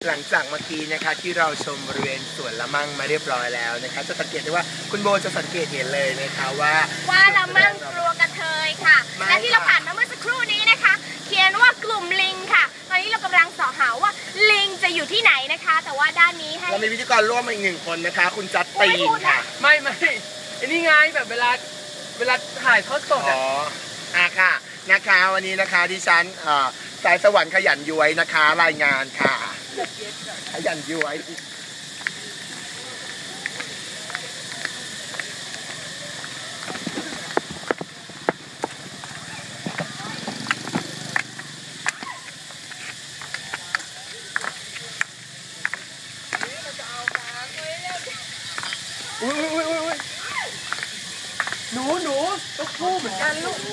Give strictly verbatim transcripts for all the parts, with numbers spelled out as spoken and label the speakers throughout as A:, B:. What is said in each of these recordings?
A: หลังจากเมื่อกี้นะคะที่เราชมบริเวณสวนละมั่งมาเรียบร้อยแล้วนะคะจะสังเกตได้ว่าคุณโบจะสังเกตเห็นเลยนะคะว่า
B: ว่าละมั่งกลัวกระเทยค่ะและที่เราผ่านมาเมื่อสักครู่นี้นะคะเขียนว่ากลุ่มลิงค่ะตอนนี้เรากำลังสอหาว่าลิงจะอยู่ที่ไหนนะคะแต่ว่าด้านนี้ให้
A: เรามีพิธีกรร่วมมาอีกหนึ่งคนนะคะคุณจัดตีนค่ะ
C: ไม่ไม่ไอ้นี่ไงแบบเวลาเวลาถ่ายทอดสดอ๋
A: ออ่ะค่ะนะคะวันนี้นะคะดิฉันสายสวรรค์ขยันย้วยนะคะรายงานค่ะขยันย้วย
C: อุ้ยอุ้ยอุ้ยอุ้ยหนูหนูตุ๊กคู่เหมือนกันลูก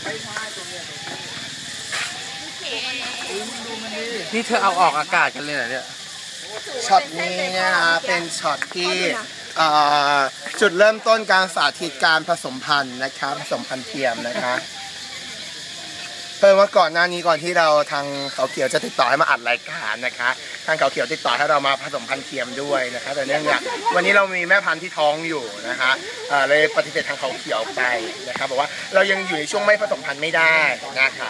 C: นี่เธอเอาออกอากาศกันเลยเหรอเนี่ย
A: ช็อตนี้นะคะเป็นช็อตที่จุดเริ่มต้นการสาธิตการผสมพันธุ์นะคะผสมพันธุ์เทียมนะคะเพิ่มว่าก่อนหน้านี้ก่อนที่เราทางเขาเขียวจะติดต่อให้มาอัดรายการนะคะทางเขาเขียวติดต่อให้เรามาผสมพันธุ์เทียมด้วยนะคะแต่เนื่องจากวันนี้เรามีแม่พันธุ์ที่ท้องอยู่นะคะเลยปฏิเสธทางเขาเขียวไปนะคะบอกว่าเรายังอยู่ในช่วงไม่ผสมพันธุ์ไม่ได้นะคะ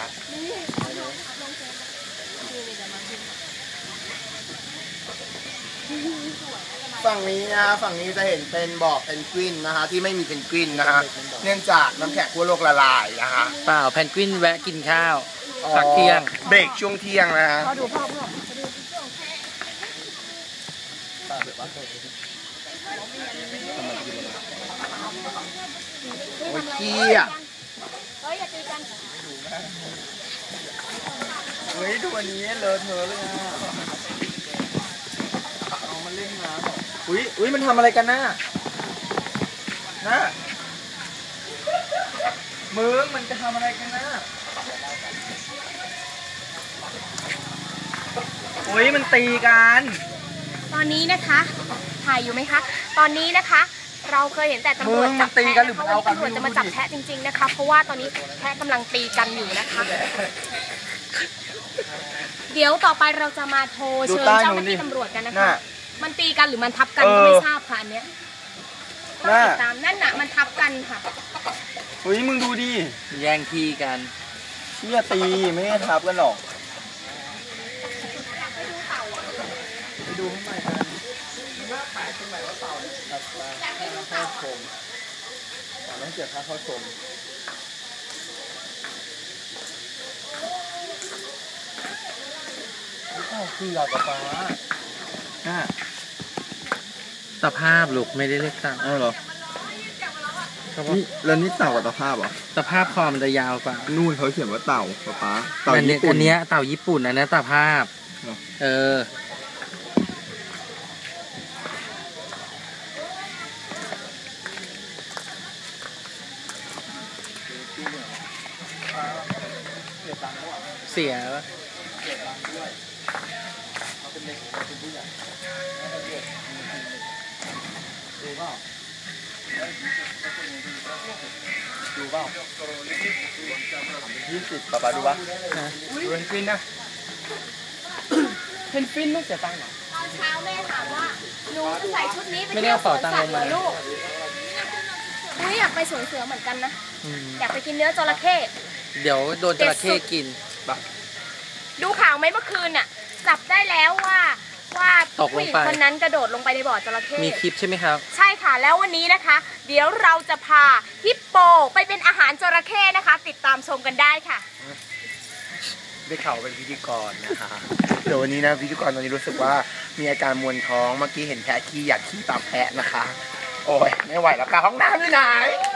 A: ฝั่งนี้นะฝั่งนี้จะเห็นเป็นบ่อเพนกวินนะคะที่ไม่มีเพนกวินนะคะเนื่องจากน้ำแข็งขั้วโลกละลายนะคะ
C: เปล่าเพนกวินแวะกินข้าวพักเที่ยง
A: เบรกช่วงเที่ยงนะฮะดูพ่อพ่อโอ้ยเกี้ยเฮ้ยอย่าตีกันเฮ้ยดูอันนี้เลิศเทอะเลยอ่ะเอามันเล่นน้ำอุ้ยอุ้ยมันทำอะไรกันน่ะน่ะมึงมันจะทำอะไรกันน่ะอุ้ยมันตีกัน
B: ตอนนี้นะคะถ่ายอยู่ไหมคะตอนนี้นะคะเราเคยเห็นแต่ตำรวจจับแพะนะคะวันนี้ตำรวจจะมาจับแพะจริงๆนะคะเพราะว่าตอนนี้แพะกำลังตีกันอยู่นะคะเดี๋ยวต่อไปเราจะมาโทรเชิญเจ้าหน้าที่ตำรวจกันนะคะมันตีกันหรือมันทับกันก็ไม่ทราบค่ะอันเนี้ยต้องติดตามนั่นน่ะมันทับกันค่ะ
A: เฮ้ยมึงดูดิ
C: แย่งที่กัน
A: เชี่ยตีไม่ได้ทับกันหรอกไปดูข้างในกันมันน่าแปลกตรงไหนว่าเต่าเนี่ยตัดปลาเข้าชมแต่ต้องเสียค่าเข้าชมนี่คือหลักปลาน่า
C: ตะภาพลูกไม่ได้เรียกเต่า
A: อ๋อเหรอนี่แล้วนี่เต่ากับตะภาพเหรอ
C: ตะภาพคอมันจะยาวกว่า
A: นู่นเขาเขียนว่าเต่าปลาปลา
C: เต่าญี่ปุ่นอันนี้เต่าญี่ปุ่นนะนะตะภาพเออเสียแล้ว
A: ดูเปล่าดูเปล่ายี่สิบป๊าป๊าดูปะดูเพนกวินนะ
C: เพนกวินไม่เสียตังค์หรอ
B: ตอนเช้าแม่ถามว่าหนูจะใส่ชุดนี้ไปเที่ยวสวนสัตว์เหรอลูกอุ้ยอยากไปสวนเสือเหมือนกันนะอยากไปกินเนื้อจระเข้
C: เดี๋ยวโดนจระเข้กิน
B: ดูข่าวไหมเมื่อคืนน่ะจับได้แล้วว่าว่าผู้หญิงคนนั้นกระโดดลงไปในบ่อจระเข้
C: มีคลิปใช่ไหมครับ
B: ใช่ค่ะแล้ววันนี้นะคะเดี๋ยวเราจะพาฮิปโปไปเป็นอาหารจระเข้นะคะติดตามชมกันได้ค่ะ
A: ได้ข่าวเป็นพิธีกรนะคะเดี๋ยววันนี้นะพิธีกรตอนนี้รู้สึกว่ามีอาการมวนท้องเมื่อกี้เห็นแพะขี้อยากขี้ตามแพะนะคะโอ้ยไม่ไหวแล้วค่ะห้องน้ำอยู่ไหน